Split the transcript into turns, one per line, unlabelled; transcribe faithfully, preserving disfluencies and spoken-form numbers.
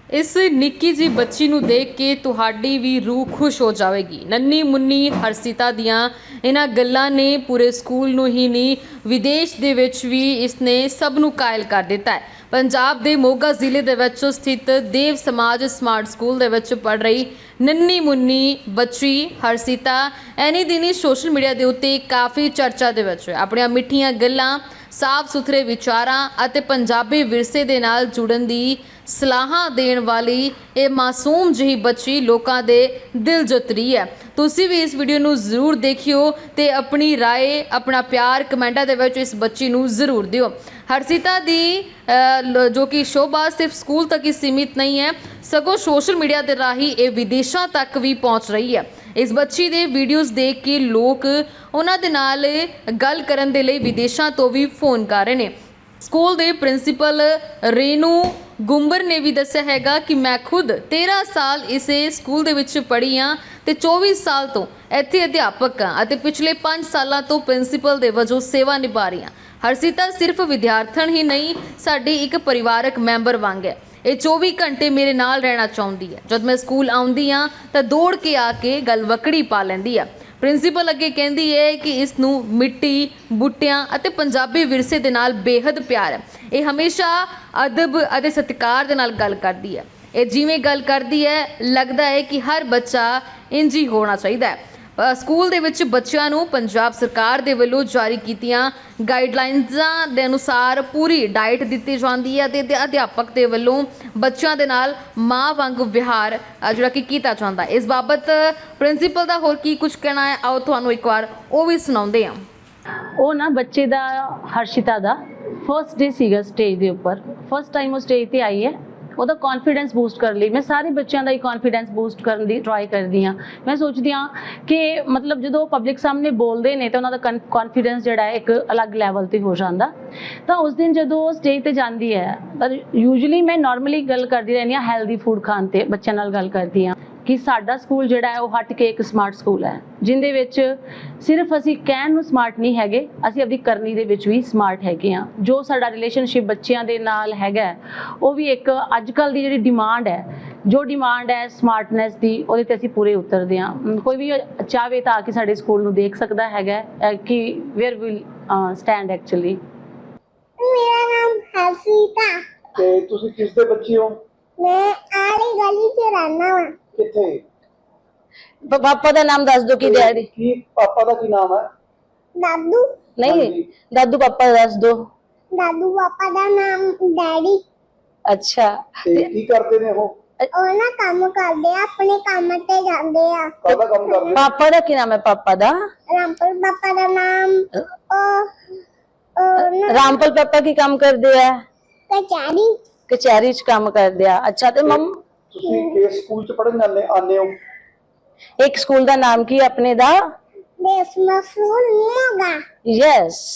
इस निक्की जी बच्ची नूं देख के तुहाडी भी रूह खुश हो जाएगी। नन्नी मुन्नी हर्षिता दियां इन्हां गल्लां ने पूरे स्कूल नूं ही नहीं विदेश दे विच भी इसने सब नूं कायल कर दिता है। पंजाब दे मोगा जिले दे विच स्थित देव समाज स्मार्ट स्कूल दे विच पढ़ रही नन्नी मुन्नी बच्ची हर्षिता एनी दिनी सोशल मीडिया दे उत्ते काफ़ी चर्चा दे विच अपणियां मिठियां गल्लां साफ सुथरे विचारां अते पंजाबी विरसे दे नाल जुड़न दी सलाहां देण वाली ये मासूम जही बच्ची लोकां दे दिल जित रही है। तुसी भी इस वीडियो नूं जरूर देखियो ते अपनी राय अपना प्यार कमेंटां दे विच इस बच्ची नूं जरूर दिओ। हर्षिता दी जो कि शोभा सिर्फ स्कूल तक ही सीमित नहीं है सगों सोशल मीडिया के राही ये विदेशों तक भी पहुँच रही है। इस बच्ची दे वीडियोज़ देख के लोग उन्हां दे नाल गल करन दे लई विदेशों तो भी फोन कर रहे हैं। स्कूल के प्रिंसीपल रेनू गुंबर ने भी दस्सिया हैगा कि मैं खुद तेरह साल इस स्कूल दे विच पढ़ी हाँ ते चौबीस साल तो इत्थे अध्यापक हाँ अते पिछले पाँच सालों तो प्रिंसीपल दे वजों सेवा निभा रही हाँ। हर्षिता सिर्फ विद्यार्थन ही नहीं साडी एक परिवारक मैंबर वांग है। ये चौबी घंटे मेरे नाल रहना चाहती है। जब मैं स्कूल आउंदी हाँ तो दौड़ के आके गलवकड़ी पा लैंदी है। प्रिंसीपल अगे कहती है कि इसनूं मिट्टी बूटियां अते पंजाबी विरसे दे नाल बेहद प्यार है। ये हमेशा अदब अते सत्कार दे नाल गल करदी है। ये जिवें गल करदी है लगदा है कि हर बच्चा इंज ही होना चाहिए है। स्कूल दे विच बच्चिआं नूं पंजाब सरकार दे वल्लों जारी कीतियां गाइडलाइनसां दे अनुसार पूरी डाइट दित्ती जांदी है ते अध्यापक दे वल्लों बच्चिआं दे नाल मां वांग विहार जिहड़ा कि कीता जांदा है। इस बाबत प्रिंसीपल दा होर की कुछ कहना है आओ तुहानूं एक बार वो भी सुणाउंदे हां।
ਉਹ ਨਾ ਬੱਚੇ ਦਾ ਹਰਸ਼ਿਤਾ ਦਾ ਫਰਸਟ ਡੇ ਸੀਗਾ ਸਟੇਜ ਦੇ ਉੱਪਰ ਫਸਟ ਟਾਈਮ ਉਹ ਸਟੇਜ ਤੇ ਆਈ ਹੈ। ਉਹਦਾ ਕੌਨਫੀਡੈਂਸ ਬੂਸਟ ਕਰਨ ਲਈ ਮੈਂ ਸਾਰੇ ਬੱਚਿਆਂ ਦਾ ਹੀ ਕੌਨਫੀਡੈਂਸ ਬੂਸਟ ਕਰਨ ਦੀ ਟਰਾਈ ਕਰਦੀ ਹਾਂ। ਮੈਂ ਸੋਚਦੀ ਹਾਂ ਕਿ ਮਤਲਬ ਜਦੋਂ ਪਬਲਿਕ ਸਾਹਮਣੇ ਬੋਲਦੇ ਨੇ ਤਾਂ ਉਹਨਾਂ ਦਾ ਕੌਨਫੀਡੈਂਸ ਜਿਹੜਾ ਹੈ ਇੱਕ ਅਲੱਗ ਲੈਵਲ ਤੇ ਹੋ ਜਾਂਦਾ। ਤਾਂ ਉਸ ਦਿਨ ਜਦੋਂ ਉਹ ਸਟੇਜ ਤੇ ਜਾਂਦੀ ਹੈ ਤਾਂ ਯੂਜੂਲੀ ਮੈਂ ਨਾਰਮਲੀ ਗੱਲ ਕਰਦੀ ਰਹਿੰਦੀ ਹਾਂ ਹੈਲਦੀ ਫੂਡ ਖਾਣ ਤੇ ਬੱਚਿਆਂ ਨਾਲ ਗੱਲ ਕਰਦੀ ਹਾਂ ਕਿ ਸਾਡਾ ਸਕੂਲ ਜਿਹੜਾ ਹੈ ਉਹ ਹਟ ਕੇ ਇੱਕ ਸਮਾਰਟ ਸਕੂਲ ਹੈ ਜਿੰਦੇ ਵਿੱਚ ਸਿਰਫ ਅਸੀਂ ਕਹਿਣ ਨੂੰ ਸਮਾਰਟ ਨਹੀਂ ਹੈਗੇ ਅਸੀਂ ਆਪਣੀ ਕਰਨੀ ਦੇ ਵਿੱਚ ਵੀ ਸਮਾਰਟ ਹੈਗੇ ਆ। ਜੋ ਸਾਡਾ ਰਿਲੇਸ਼ਨਸ਼ਿਪ ਬੱਚਿਆਂ ਦੇ ਨਾਲ ਹੈਗਾ ਉਹ ਵੀ ਇੱਕ ਅੱਜ ਕੱਲ੍ਹ ਦੀ ਜਿਹੜੀ ਡਿਮਾਂਡ ਹੈ ਜੋ ਡਿਮਾਂਡ ਹੈ ਸਮਾਰਟਨੈਸ ਦੀ ਉਹਦੇ ਤੇ ਅਸੀਂ ਪੂਰੇ ਉਤਰਦੇ ਹਾਂ। ਕੋਈ ਵੀ ਚਾਹਵੇ ਤਾਂ ਆ ਕੇ ਸਾਡੇ ਸਕੂਲ ਨੂੰ ਦੇਖ ਸਕਦਾ ਹੈਗਾ ਕਿ ਵੇਅਰ ਵਿਲ ਸਟੈਂਡ ਐਕਚੁਅਲੀ।
मेरा नाम हर्षिता
ਤੇ ਤੁਸੀਂ ਕਿਸ ਦੇ ਬੱਚੇ ਹੋ?
मैं आली गली से रहना वा।
ਕਿੱਥੇ?
पापा का नाम दस दो की डैडी
ਕੀ ਪਾਪਾ ਦਾ ਕੀ ਨਾਮ ਹੈ?
दादू
नहीं दादू पापा दस दो।
दादू पापा दा नाम डैडी।
अच्छा
ਤੇ ਕੀ ਕਰਦੇ ਨੇ ਉਹ?
ਉਹ ਨਾ ਕੰਮ ਕਰਦੇ ਆ ਆਪਣੇ ਕੰਮ ਤੇ ਜਾਂਦੇ ਆ।
ਕਾਹਦਾ ਕੰਮ ਕਰਦੇ?
पापा का की नाम है पापा दा?
रामपुर पापा दा नाम ओ ओ ना
रामपल पापा की काम कर दिया
कचहरी
कचहरी च काम कर दिया। अच्छा तो मम
ਤੁਸੀਂ ਕਿਸ ਸਕੂਲ ਚ ਪੜ੍ਹਨ ਜਾਂਦੇ ਆਨੇ ਹੋ?
एक स्कूल का नाम की अपने दा?
देश मशहूर मोगा।
यस